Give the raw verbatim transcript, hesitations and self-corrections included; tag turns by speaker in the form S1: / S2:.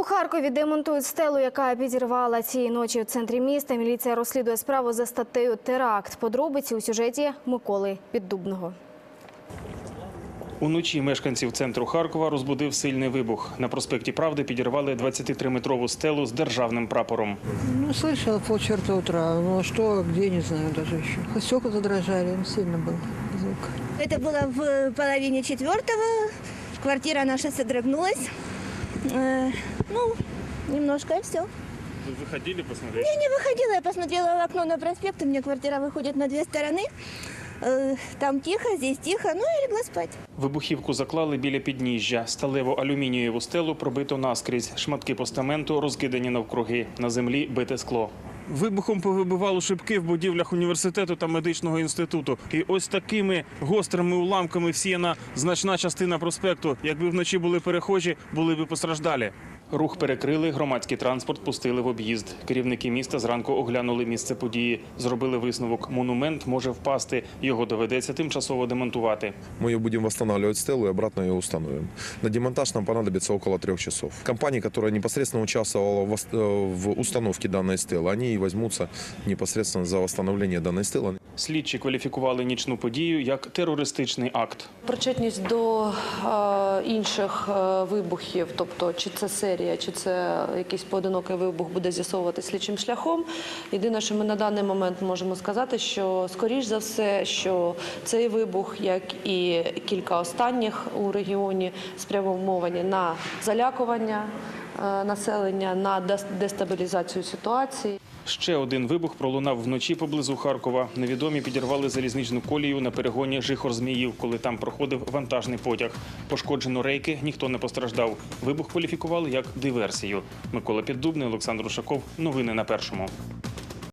S1: У Харкові демонтують стелу, яка підірвала цієї ночі у центрі міста. Міліція розслідує справу за статтею «Теракт». Подробиці у сюжеті Миколи Піддубного.
S2: Уночі мешканців центру Харкова розбудив сильний вибух. На проспекті Правди підірвали двадцятитриметрову стелу з державним прапором.
S3: Ну, слышала полчерта утра. Ну, что, где, не знаю даже еще. Стекла задрожали, сильно был звук.
S4: Это было в половине четвертого. Квартира наша содрогнулась. Э, ну, немножко и все.
S2: Вы выходили посмотреть?
S4: Я не выходила, я посмотрела в окно на проспект. У меня квартира выходит на две стороны. Э, там тихо, здесь тихо. Ну, я легла спать.
S2: Вибухівку заклали біля підніжжя. Сталево-алюмінієву стелу пробито наскрізь. Шматки постаменту розкидані навкруги. На землі бите скло. Вибухом повибивало шибки в будівлях університету та медичного інституту. І ось такими гострими уламками всіяна значна частина проспекту. Якби вночі були перехожі, були б постраждалі. Рух перекрили, громадський транспорт пустили в об'їзд. Керівники міста зранку оглянули місце події. Зробили висновок – монумент може впасти. Його доведеться тимчасово демонтувати.
S5: Мы ее будем восстанавливать стелу и обратно ее установим. На демонтаж нам понадобится около трех часов. Компания, которая непосредственно участвовала в установке данной стелы, они и возьмутся непосредственно за восстановление данной стелы.
S2: Слідчі кваліфікували нічну подію як терористичний акт.
S6: Причетність до е, інших е, вибухів, тобто чи це серія, чи це якийсь поодинокий вибух, буде з'ясовувати слідчим шляхом. Єдине, що ми на даний момент можемо сказати, що скоріш за все, що цей вибух, як і кілька останніх у регіоні, спрямовані на залякування е, населення, на дестабілізацію ситуації.
S2: Ще один вибух пролунав вночі поблизу Харкова. Невідомі підірвали залізничну колію на перегоні Жихор-Зміїв, коли там проходив вантажний потяг. Пошкоджено рейки, ніхто не постраждав. Вибух кваліфікували як диверсію. Микола Піддубний, Олександр Ушаков. Новини на Першому.